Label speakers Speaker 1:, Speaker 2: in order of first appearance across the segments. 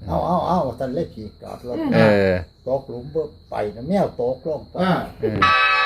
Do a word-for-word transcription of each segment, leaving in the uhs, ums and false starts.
Speaker 1: เอาเอาเอาตันเล็กขี่จอดรถ
Speaker 2: เออ
Speaker 1: ตกหลุมเบิ่ไปนะแมวตกลงไป
Speaker 3: อ่า
Speaker 2: เออ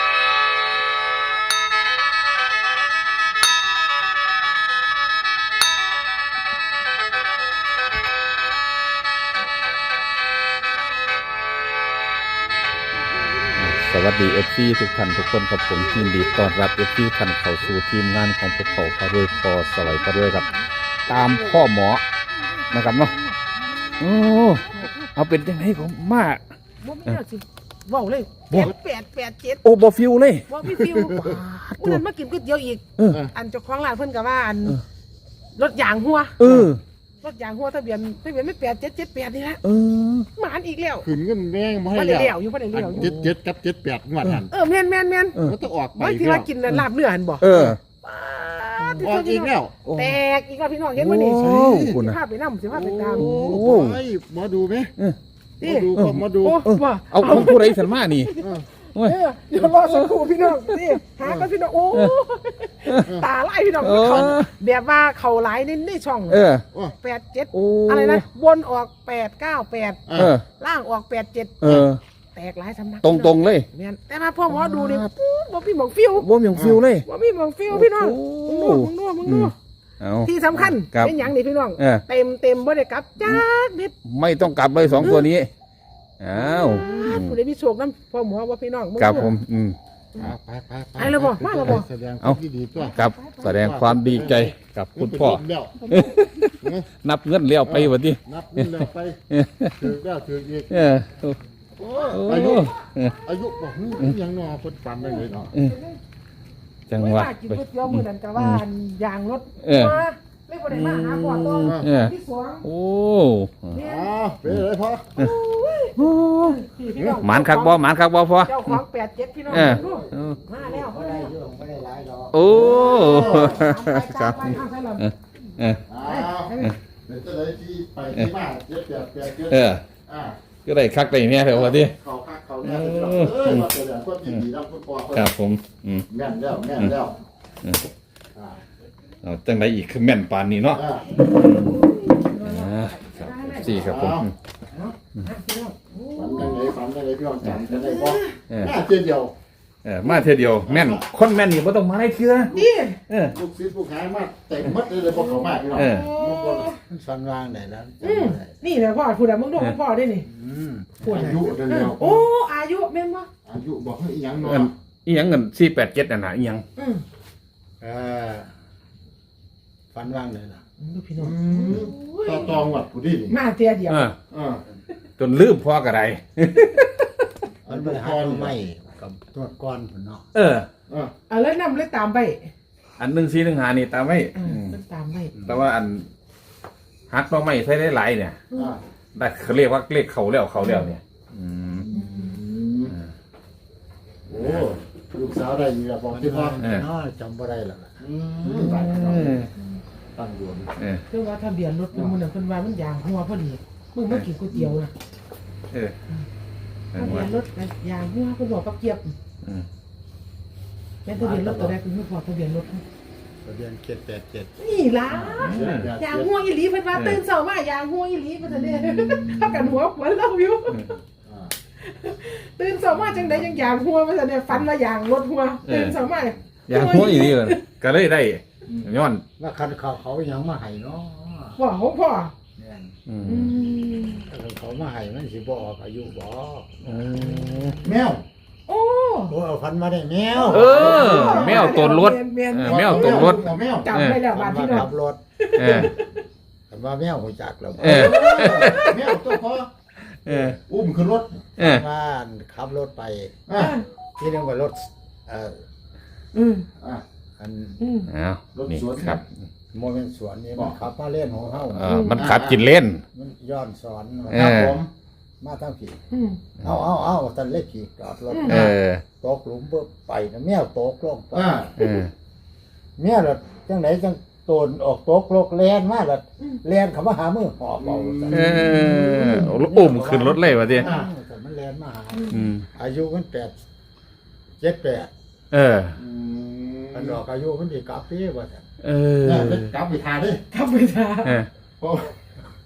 Speaker 2: สวัสดีเอฟซีทุกท่านทุกคนครับผมยินดีต้อนรับเอฟซีท่านเข้าสู่ทีมงานของพวกเขาพระรวยพอสไลด์พระรวยครับ ตามพ่อหมอนะครับเนาะโอ้เอาเป็นยังไงของมาก
Speaker 4: บ่มีแล้วสิเว้าเลย
Speaker 2: บ่
Speaker 4: เจ็ดแปดแปดเจ็ด
Speaker 2: โอ้บอฟิวเลย
Speaker 4: บ่มีฟิวผู้นั้นมากินก๋วยเตี๋ยวอีก
Speaker 2: เออ
Speaker 4: อันเจ้าของร้านเพิ่นก็ว่าอัน
Speaker 2: เออ
Speaker 4: รถยางหัว
Speaker 2: เออ
Speaker 4: รถยางหัวทะเบียนทะเบียนไม่แปดเจ็ดเจ็ดแปดนี่ละ
Speaker 2: เออ
Speaker 4: หมานอีกแล้ว
Speaker 3: ขึ้นเงินแดงมาให้
Speaker 4: บ่ได้
Speaker 3: แล้ว
Speaker 4: เลี้ยวอยู่บ่ได้เลี้ยวอยู่
Speaker 3: เจ็ดเจ็ดกับเจ็ดแปดงวดหัน
Speaker 4: เออแม่นแม่นแม่น
Speaker 2: เออ
Speaker 3: มันต้องออกไป
Speaker 4: ไม่ที่ว่ากินลาบเนื้อหันบ่
Speaker 2: เออ
Speaker 4: ป๊าดที่
Speaker 3: ออก
Speaker 4: สุด
Speaker 3: อีกแล้ว
Speaker 4: แตกอีกแล้วพี่น้องเห็นบ่นี่
Speaker 2: โอ้คุณ
Speaker 4: สิ
Speaker 2: นะ
Speaker 4: พาไปนำสิพาไปตาม
Speaker 3: โอ้
Speaker 2: โอ้
Speaker 3: โหหมอดูไหม
Speaker 2: เออ
Speaker 3: หมอดูก็หมอดู
Speaker 4: โอ้
Speaker 2: เออ
Speaker 4: ว่า
Speaker 2: เอาของผู้ใดสันมานี่
Speaker 3: เออ
Speaker 2: โอ้ย
Speaker 4: เออเดี๋ยวรอสักครู่พี่น้องนี่หากันพี่น้องโอ้ตาไล่พี่น้อง
Speaker 2: เออ
Speaker 4: เขาแบบว่าเขาหลายในในช่อง
Speaker 2: เออ
Speaker 3: โอ้
Speaker 4: แปดเจ็ด
Speaker 2: โอ้
Speaker 4: อะไรนะบนออกแปดเก้าแปด
Speaker 3: อ่ะ
Speaker 2: เออ
Speaker 4: ล่างออกแปดเจ็ด
Speaker 2: เออ
Speaker 4: แตกหลายสำนัก
Speaker 2: ตรงตรงๆเลย
Speaker 4: แม่นแต่มาพ่อหมอดูนี่ปุ๊บบ่มีหมองฟิว
Speaker 2: บ่มีของฟิวเลย
Speaker 4: บ่มีหมองฟิวพี่น้อง
Speaker 2: โอ้
Speaker 4: มึงดูมึงดูมึงดู
Speaker 2: เอา
Speaker 4: ที่สำคัญ
Speaker 2: ครับ
Speaker 4: เป็นหยังนี่พี่น้อง
Speaker 2: เออ
Speaker 4: เต็มเต็มบ่ได้กลับจ้านิด
Speaker 2: ไม่ต้องกลับเลยสองตัวนี้อ้าวอืม
Speaker 4: ผู้ใดมีโชคนํพ่อหมอว่าพี่น้องงดู
Speaker 2: ครับผมอืม
Speaker 3: ไปไปไป
Speaker 4: ไปแล้วบ่มาแล้วบ่
Speaker 3: แสดง
Speaker 2: เอา
Speaker 3: ที่ดีตัว
Speaker 2: ครับแสดงความดีใจกับคุณพ่อ
Speaker 3: เดี๋ยว
Speaker 2: นับเงินเลี้ยวไปวันนี้
Speaker 3: นับนี่แล้วไปถือแล้วถืออีก
Speaker 2: เออ
Speaker 3: โอ้
Speaker 2: โอ้
Speaker 3: อายุ
Speaker 2: เออ
Speaker 3: อายุบอกหูยังนอคนฝันได้เลยเนาะ
Speaker 2: เออจังหวะ
Speaker 4: ไม่ว่ากินก๋วยเตี๋ยวมื้อนั้นก็ว่าอันยางรถ
Speaker 2: เออ
Speaker 4: มาไม่บ่ได้มาหาพ่อตอง
Speaker 2: เออ
Speaker 4: ที่สวง
Speaker 2: โอ้
Speaker 4: เนี่ย
Speaker 3: อ๋อเป็นไรพ่อ
Speaker 4: พี่น้อง
Speaker 2: หมานคักบ่หมานคักบ่พอ
Speaker 4: เจ้าของแปดเจ็ดพี่น้อง
Speaker 2: เออ
Speaker 4: ดู
Speaker 2: เออ
Speaker 4: มาแล้ว
Speaker 1: ไม่ได้เยอะไม่ได้หลายดอก
Speaker 2: โอ้ค
Speaker 4: ค
Speaker 2: รั
Speaker 4: รั
Speaker 2: บบ เออเออ
Speaker 3: อ้าวเดี๋ยวจะได้ที่ไปที่บ้านเจ็ดแปดแปดเจ็ด
Speaker 2: เออ
Speaker 3: อ่า
Speaker 2: ก็ได้คักได้แม่เถอะวันนี้
Speaker 3: เขาคักเขาเนี่ยเออมาแสดงความยินดีรับคุณพ่อเขา
Speaker 2: ครับผมอืม
Speaker 3: แม่นแล้วแม่นแล้วอ่า
Speaker 2: เอาจังไดอีกคือแม่นปานนี้เนาะ
Speaker 3: อ่า
Speaker 2: อ่าครับสี่ครับผม
Speaker 3: ฝันยังไงฝันยังไงพี่น้องจำกันได้บ่
Speaker 2: เออ
Speaker 3: แม่เจียเดียว
Speaker 2: เออมาเท่ยเดียวแม่นคนแม่นนี่บ่ต้องมาได้เชื่อ
Speaker 4: นี่
Speaker 2: เออ
Speaker 3: ลูกศิษย์ลูกหามาเต็มมัดเลยเลยพวกเขามากพี่น้อง
Speaker 2: เออ
Speaker 3: ลูกบอล
Speaker 1: มันฟันวางได้แล้ว
Speaker 4: อืมนี่แหละพ่อพูดอะมึงดูมึงพ่อได้นี่
Speaker 1: อืม
Speaker 4: พูด
Speaker 3: อา
Speaker 4: อะ
Speaker 3: ยุเร็ว
Speaker 4: โอ้อายุแม่นบ่
Speaker 3: อายุบอกให้อีหยังเนาะ
Speaker 2: เอิ้นอีหยังเงินสี่แปดเจ็ดน่ะนะอีหยัง
Speaker 4: อืม
Speaker 1: เออฟันวางได้แล้ว
Speaker 4: ดูพี่น้อง
Speaker 3: ต่อตองวัดผู้ดีนี่
Speaker 4: มาเตียเดียว
Speaker 2: เออ
Speaker 3: อ่า
Speaker 2: จนลืมพ่อก็ได้
Speaker 1: มันไปหาตัวใหม่กับตัวก้อนผุนเนาะ
Speaker 2: เออ
Speaker 3: อ่า
Speaker 4: เอาแล้วนำเลยตามไป
Speaker 2: อันหนึ่งสี่หนึ่งหานี่ตามไว้
Speaker 4: อื
Speaker 2: อื
Speaker 4: ม
Speaker 2: ม
Speaker 4: เพิ่นตามไป
Speaker 2: แต่ว่าอันฮักน้องไม่ใช้ได้หลายเนี่ย
Speaker 3: อ่า
Speaker 2: ได้เขาเรียกว่าเลขเขาแล้วเขาแล้วเนี่ยอืม
Speaker 3: โอ้ลูกสาวได้อยู่แล้วบอกที่พ่อ
Speaker 2: เออ
Speaker 1: เนาะจำบ่ได้แล้วล่ะ
Speaker 3: อืมตายแล้ว
Speaker 2: เออ
Speaker 3: ตั้งดวง
Speaker 2: เออ
Speaker 4: เรื่องว่าทะเบียนรถเพิ่นมื้อนั้นเพิ่นว่ามันยางหัวพอดีมึงมากินก๋วยเตี๋ยวนะ
Speaker 2: เออเอ
Speaker 4: ทะ
Speaker 2: อ
Speaker 4: เบีย
Speaker 2: ว่าน
Speaker 4: รถยางหัวเพิ่นบอกกับเกียบ
Speaker 2: อืม
Speaker 4: แม่นทะเบียนรถตัวใดเพิ่นบอกทะเบียนรถ
Speaker 1: ทะเบียนเจ็ดแปดเจ็ด
Speaker 4: นี่ล่ะยางหัวอีหลีเพิ่นว่าตื่นเช้ามายางหัวอีหลีเพิ่นจะได้เฮากันหัวหัวเราอยู่
Speaker 3: อ่า
Speaker 4: ตื่นเช้ามาจังไดจังยางหัวเพิ่นจะได้ฝันว่ายางรถหัวตื่นเช้ามา
Speaker 2: อย่างหัวอีนี่เลยก็เลยได้ย้อน
Speaker 1: ว่าคันเขาเขาหยังมาให้เนาะ
Speaker 4: พ่อของพ่อ
Speaker 1: เนี่ย
Speaker 2: อืม
Speaker 4: อืม
Speaker 1: ถ้าเขามาให้มันสิบ่ออกอายุบ่
Speaker 2: เออ
Speaker 3: แมว
Speaker 4: โอ้
Speaker 1: โอ้เอาฟันมาได้แมว
Speaker 2: เออ แมวตนรถ
Speaker 4: แม่น
Speaker 2: เออ
Speaker 4: ๆ
Speaker 2: แมวตกรถ
Speaker 3: แมว
Speaker 4: จำได้แล้ว
Speaker 1: ฟั
Speaker 4: บาน ด
Speaker 1: มา
Speaker 4: พี่น้อ
Speaker 1: ขั
Speaker 4: ง
Speaker 1: บรถ
Speaker 2: เออ
Speaker 1: แต่ว่าแมวหูจักแล้วบ่
Speaker 2: เออ
Speaker 3: แมวตัวพ่อ
Speaker 2: เออ
Speaker 3: อุ้มขึ้นรถ
Speaker 2: เออ
Speaker 1: บ้านขับรถไป
Speaker 3: อ่า
Speaker 1: ที่นึงว่ารถเอ่อ
Speaker 4: อืม
Speaker 3: อ่า
Speaker 1: อัน
Speaker 4: อืม
Speaker 2: อ้าวนี่ครับ
Speaker 1: โมเมนต์สวนนี่มันขับมาเล่นของเฮา
Speaker 2: เออมันขับกินเล่น
Speaker 1: มันย้อนสอนมา
Speaker 2: เอ
Speaker 3: ครับ
Speaker 2: อ
Speaker 3: ผม
Speaker 1: มาทั้งผี
Speaker 4: อืม
Speaker 1: เอาเอาเอาตันเล็กขี่จอดรถ
Speaker 2: เออ
Speaker 1: ตกหลุมเบิ่ไปนะแมวตกลงไป
Speaker 3: อ่า
Speaker 2: เออ
Speaker 1: แมวล่ะจังไหนจังโตนออกตกโลกแลนมาล่ะแลนเขามาหามือหอบเอาซะ
Speaker 2: เอออุ้มขึ้นรถเลยวะที
Speaker 1: อ่าแต่มันแลนมาหา
Speaker 2: อืม
Speaker 1: อายุมันแปดเจ็ดแปด
Speaker 2: เออ
Speaker 3: อืม
Speaker 1: มันดอกอายุมันดีกลับปีว่าซั่น
Speaker 2: เออ
Speaker 3: เนี่ยเล็กกลับไปทาดิ
Speaker 4: ทำไปซะ
Speaker 2: เออ
Speaker 3: เพราะ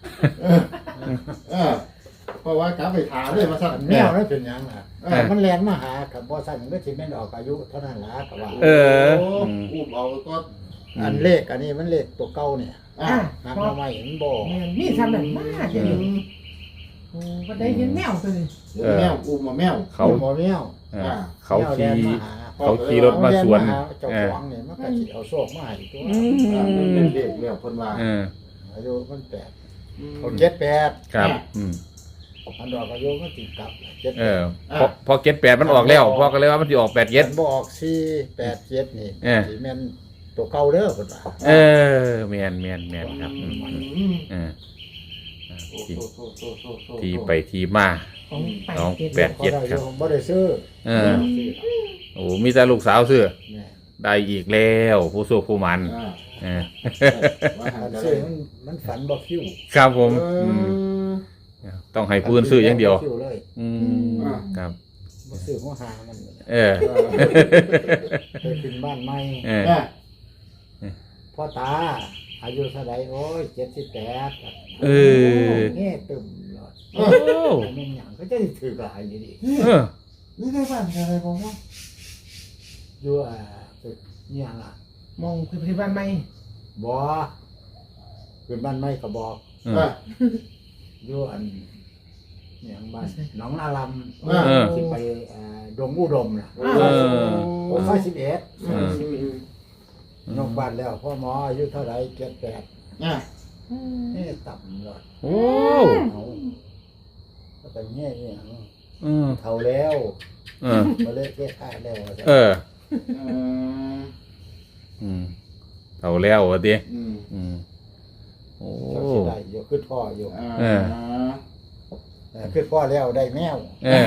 Speaker 3: เออเพราะว่ากลับไปถามเลยมาสั่น
Speaker 1: แมวนั่นเป็นหยังอ่ะเออมันแลนมาหากับบ่สั่นก็สิแม่นออกอายุเท่านั้นล่ะก็ว่า
Speaker 2: เออ
Speaker 3: โอุ้มเอาก็
Speaker 1: อันเลขอันนี้มันเลขตัวเก่าเนี่ย
Speaker 3: อ่า
Speaker 4: อ่ะ
Speaker 1: หา
Speaker 4: พอ
Speaker 1: มาใหม่เห็นบ่
Speaker 4: แม่นมีทำนั่นมากเดี๋ยวนี้โอ้ก็ได้เห็นแมวตัวนี้
Speaker 3: เดี๋ยวแมวอุ้มมาแมว
Speaker 2: เขา
Speaker 1: บ่แมว
Speaker 2: เออเขา
Speaker 1: แมวแล
Speaker 2: ขี่
Speaker 1: นมาหา
Speaker 2: เขาขี่รถมาสวน
Speaker 1: แล่หเจ้า
Speaker 2: เอ
Speaker 1: ข
Speaker 2: อ
Speaker 1: องเนี่ยมันก็สิเอาโชคมาให้ตัว
Speaker 2: อื
Speaker 3: อ่ามัน
Speaker 2: ม
Speaker 3: เป็นเด็กแล้วคนว่า
Speaker 2: เออ
Speaker 1: อายุมันแปดเขาเจ็ดแปด
Speaker 2: ครับอืม
Speaker 1: อันดอกอายุมันติดกลับเจ็ด
Speaker 2: เออพอพอเก็ตแปดมันออกแล้วพอก็เลยว่ามันจะออกแปดเย็ด
Speaker 1: มันบ่ออกสี่แปดเจ็ดนี่
Speaker 2: เออ
Speaker 1: สิแม่นตัวเก่าเด้อเพิ่นว่า
Speaker 2: เออแมนแมนแมนครับอืมอืม
Speaker 3: อืม
Speaker 2: เออ
Speaker 3: โอ้
Speaker 2: ที่
Speaker 3: โหโอ้โหโอ้โหโอ้โห
Speaker 2: ที่ไปที่มา
Speaker 4: ของไป
Speaker 2: น้อง
Speaker 4: เก็บ
Speaker 2: แปด เจ็ดครับ
Speaker 1: บ่ได้บ่ได้ซื้อ
Speaker 2: เออ โอ้มีแต่ลูกสาวซื้อ
Speaker 1: แม่
Speaker 2: ได้อีกแล้วผู้สู้ผู้มัน
Speaker 3: อ่า
Speaker 2: เออ
Speaker 3: ว่าหา
Speaker 1: อัน
Speaker 3: จะ
Speaker 1: ซื้
Speaker 3: ได้
Speaker 1: อมันมันฝันบ่คิว
Speaker 2: ครับผม
Speaker 3: เอ
Speaker 2: อืม
Speaker 3: อ
Speaker 2: ต้องให้ปืนซื้ออย่างเดียว
Speaker 1: คิวเลย
Speaker 2: อืมครับ
Speaker 1: บ่ซื้อหัวหามัน
Speaker 2: เออ
Speaker 1: ไปขึ้นบ้านใหม่
Speaker 2: เออ
Speaker 3: อ่า
Speaker 1: พ่อตา อายุเท่าไหร่โอ้ยเจ็ดสิบแปด
Speaker 2: เออ
Speaker 1: แง่ตึมเลย
Speaker 2: โอ้
Speaker 1: อันนี้หยังก็จะถือกลายอยู่ดิ
Speaker 2: เออ
Speaker 3: นี่ได้บ้านอะไรของว่า
Speaker 1: อยู่อ่าตึกนี่หยังอ่ะ
Speaker 4: มองคือที่บ้านใหม่
Speaker 1: บ่ขึ้นบ้านใหม่ก็บอก
Speaker 2: เอ
Speaker 3: อ่า
Speaker 2: อ
Speaker 1: อยู่อันนี่หยังบ้านหนองนาลำ
Speaker 3: เออ
Speaker 1: ที่ไปอ่าดงอุดมน่ะ
Speaker 2: เออ
Speaker 1: โอ้ยสิบเอ็ด
Speaker 2: เออ
Speaker 1: นอกบ้านแล้วพ่อหมออายุเท่าไหร่เจ็ดแปด
Speaker 3: อ่า
Speaker 1: นี่ต่ำเลย
Speaker 2: โอ้
Speaker 1: เอาก็ไปแง่นี่หยัง
Speaker 2: เออ
Speaker 1: เท่าแล้ว
Speaker 2: เออ
Speaker 1: มาเลิกเทศท่าแล้ว
Speaker 2: เออ
Speaker 3: เออ
Speaker 2: อืมเท่าแล้ววะดิ
Speaker 3: อืม
Speaker 2: อืมโอ้
Speaker 1: เจ้าสิได้อยู่ขึ้นพ่ออยู่
Speaker 3: อ่า
Speaker 2: เออ
Speaker 1: แต่ขึ้นพ่อแล้วได้แมว
Speaker 2: เออ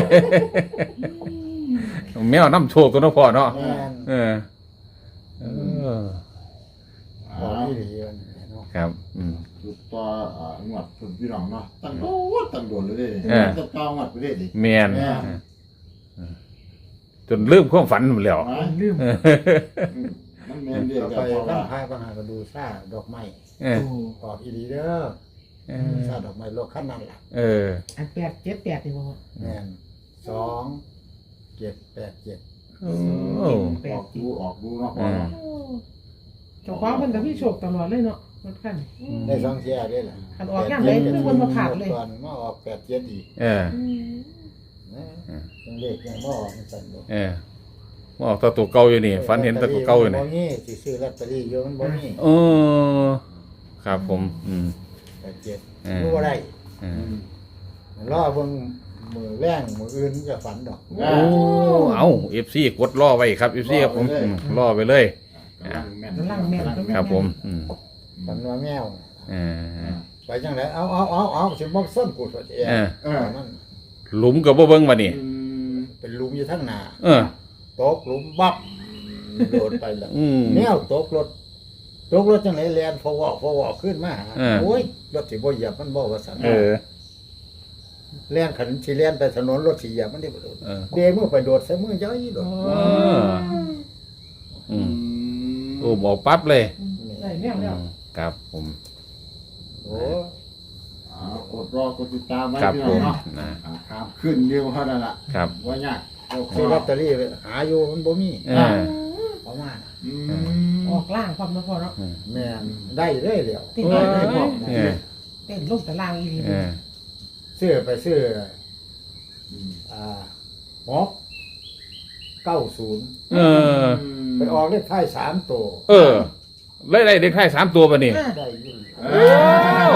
Speaker 2: แมวน้ำโชคตัวเน้องพ่อเนาะ
Speaker 1: แม่น
Speaker 2: เออ เออ
Speaker 1: พ่อที่ดีมันเนาะ
Speaker 2: ครับ อืม
Speaker 3: จุดต่ออ่างวดคุณพี่น้องเนาะตั้งโดดตั้งโดดเลยดิ
Speaker 2: เออ
Speaker 3: จะต่องวดไปเลยดิ
Speaker 2: แมน
Speaker 3: แม่น
Speaker 2: เออจนลืมความฝันหมดแล้ว
Speaker 3: อ่า
Speaker 4: ลืม
Speaker 2: เออ
Speaker 3: มันแม่นเรียก
Speaker 1: ต่อ
Speaker 3: แล้ว
Speaker 1: ไป
Speaker 3: เพราะ
Speaker 1: ตั้
Speaker 3: ว่าง
Speaker 1: พายปัญหาก็ดูซ่าดอกไม้
Speaker 2: เออ
Speaker 1: ตอบอีดีเด้อ
Speaker 2: เอ
Speaker 1: ซ่า
Speaker 2: อ
Speaker 1: ดอกไม้โลกขั้นนั้นล่ะ
Speaker 2: เออ
Speaker 4: อันแปดเจ็ดแปดนี่บ่
Speaker 1: แม่นสองเจ็ดแปดเจ็ด
Speaker 2: โอ้
Speaker 4: แป
Speaker 3: อ
Speaker 4: ด
Speaker 3: อกดูออกดูเนาะ
Speaker 2: อืม
Speaker 4: เจ้าของเพิ่นก็มีโชคตลอดเลยเนาะรถคัน
Speaker 1: ได้สองเที่ยได้ล่ะ
Speaker 4: คันออกย่างไรคือคนมาผ่านเลย
Speaker 1: ก่อนมาออกแปดเจ็ดอีก
Speaker 2: เออ
Speaker 1: นะยังเลขยังบ่ออกมันสั่นบ่
Speaker 2: เออมาออกตัวตัวเก่าอยู่นี่ฝันเห็นแตัวตัวเก่าอยู่นี่
Speaker 1: บ่มีสิซื้อลอตเตอรี่อยู่มันบ่มี
Speaker 2: โอ้ครับผม อืม
Speaker 1: แปดเจ็ด
Speaker 2: เออ
Speaker 1: รู้ว่าได้
Speaker 2: เออ
Speaker 1: รอเบิ่งมือแรงมืออื่นจะฝันดอก
Speaker 2: โอ้เอาเอฟซีกดล่อไว้ครับเอฟซีครับผมอืมล่อไปเลย
Speaker 3: กำลังแม่น
Speaker 4: กำลังแม่นกำลังแม่น
Speaker 2: ครับผม อืม
Speaker 1: ฝันว่าแมว
Speaker 2: เออ
Speaker 1: ไปจังไดเอาเอาเอาเอาสิบ่ซ่อนกูตัวเอง
Speaker 2: เออ
Speaker 3: เออ
Speaker 1: มัน
Speaker 2: หลุมกับบ่เบิ่งมานี่
Speaker 3: อืม
Speaker 1: เป็นหลุมอยู่ทั้งหน้า
Speaker 2: เออ
Speaker 1: ตกหลุมบับโดดไปแล้ว
Speaker 2: อืม
Speaker 1: แมวตกรถตกรถจังไดแล่นพอวอกพอวอกขึ้นมาหา
Speaker 2: เออ
Speaker 1: โอ้ยรถสิบ่เหยียบมันบ่ว่าซั่น
Speaker 2: เออ
Speaker 1: แล่นขันสิแล่นไปถนนรถสิเหยียบมันได้บ่โดด
Speaker 2: เออ
Speaker 1: เดมือไปโดดใส่มือย้อยโดด
Speaker 2: เอออืมโอ้บอกปั๊บเลย
Speaker 4: ได้แม่นแล้ว
Speaker 2: อืมครับผม
Speaker 1: โอ้
Speaker 3: อ่ากดรอกดติดตามไว้
Speaker 2: ครับ
Speaker 3: พี่
Speaker 2: ผ
Speaker 3: น้อง
Speaker 2: ม
Speaker 3: เนาะ
Speaker 2: นะ
Speaker 3: อ่าครับขึ้นเร็วเท่านั้นล่ะ
Speaker 2: ครับ
Speaker 3: ว่ายากโอเค
Speaker 1: ซื้อลอตเตอรี่ไปหาอยู่มันบ่มี
Speaker 2: เออ
Speaker 1: เอามาน่ะ
Speaker 3: อืม
Speaker 4: ออกล่างความนะพ่อเนาะ
Speaker 1: แม่นได้เลยแล้ว
Speaker 4: ติด
Speaker 2: เอ
Speaker 4: ได้
Speaker 2: อ
Speaker 4: เลยพ่อ
Speaker 2: เออ
Speaker 4: เต้นลงแต่ล่างอีหลี
Speaker 2: เออ
Speaker 1: ซื้อไปซื้อ
Speaker 3: อืม
Speaker 1: อ่าหกเก้าศูนย์
Speaker 2: เออ
Speaker 1: ไปออกเลขท้ายสามตัว
Speaker 2: เออไล่ไล่เด็กไทยสามตัวป่ะนี่
Speaker 4: อ่ะ
Speaker 1: ได้อยิน
Speaker 3: เอ้ย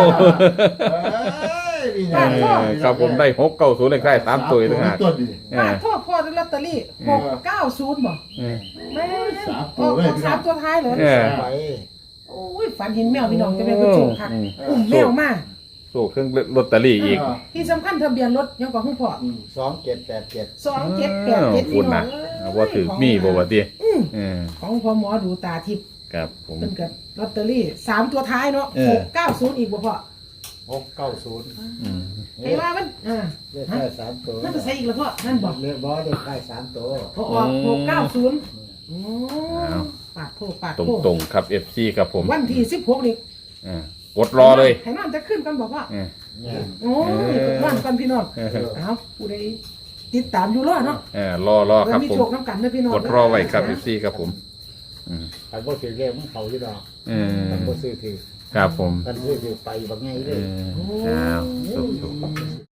Speaker 3: นี่ไง
Speaker 2: เออครับผมได้หกเก้าศูนย์เลขไทยสามตัวอีกต่างหาก
Speaker 3: ตัวดี
Speaker 2: เอ
Speaker 4: ป้า
Speaker 2: อ
Speaker 4: พ่อพ่อได้ลอตเตอรี่หกเก้าศูนย์บ่
Speaker 2: เออ
Speaker 4: แม่
Speaker 3: สาม
Speaker 4: อ
Speaker 3: ตัว
Speaker 4: อก
Speaker 3: เลย
Speaker 4: ออกสามตัวท้ายเลย
Speaker 2: เออ
Speaker 1: ไป
Speaker 4: โอ้ยฝันเห็นแมวพี่น้องจะเป็นกระจุกค่ะ
Speaker 2: อืม
Speaker 4: อุ้มแมวมา
Speaker 2: โซ่เครื่องลอตเตอรี่อีก
Speaker 4: ที่สำคัญทะเบียนรถยังกว่าคุณพ่อ
Speaker 1: สองเจ็ดแปดเจ็ด
Speaker 4: สองเจ็ดแปดเจ็ด
Speaker 2: คุ
Speaker 4: พี่
Speaker 2: ณ
Speaker 4: น้อ
Speaker 2: นะ
Speaker 4: งเอ้ย
Speaker 2: ว่าถือมีบ่ว่าติ
Speaker 4: อืม
Speaker 2: เออ
Speaker 4: ของพ่อหมอดูตาทิพย์
Speaker 2: ครับผม
Speaker 4: เป็นกับลอตเตอรี่สามตัวท้ายเนาะ
Speaker 2: เออ
Speaker 4: หกเก้าศูนย์อีกบ่พ่อ
Speaker 1: หกเก้าศูนย์
Speaker 2: อืม
Speaker 4: ไอ้ว่ามันอ่า
Speaker 1: เลขท้ายสามตัว
Speaker 4: นั่นจะใส่อีกแล้วพ่อนั่นบอก
Speaker 1: เลขบอเลขท้ายสามตัว
Speaker 4: พอออกหกเก้าศูนย์โอ้ปาดโทษปาด
Speaker 2: ตรง
Speaker 4: โทษ
Speaker 2: ตรงๆครับ เอฟ ซี ครับผม
Speaker 4: วันที่สิบหกนี่
Speaker 2: เออกดรอเลย
Speaker 4: ให้นอนจะขึ้นกันบอกว่า
Speaker 2: เออ
Speaker 1: เนี่ย
Speaker 4: โอ้ยกดนอนกันพี่น้อง
Speaker 2: เออ
Speaker 4: เอาผู้ใดติดตามอยู่รอเนาะ
Speaker 2: เออรอรอครับ
Speaker 4: มี
Speaker 2: ผม
Speaker 4: โชคน้ำกันนะพี่น้อง
Speaker 2: กดรอไว้ครับเอฟซีครับผมอืม
Speaker 1: คันบ่ถือเรียกมันเขาอยู่ดอก
Speaker 2: เออ
Speaker 1: คันบ่ซื้อถือ
Speaker 2: ครับผม
Speaker 1: คันซื้อถือไปบ่ไง
Speaker 2: เอ
Speaker 1: เลย
Speaker 2: ออ้าวสุข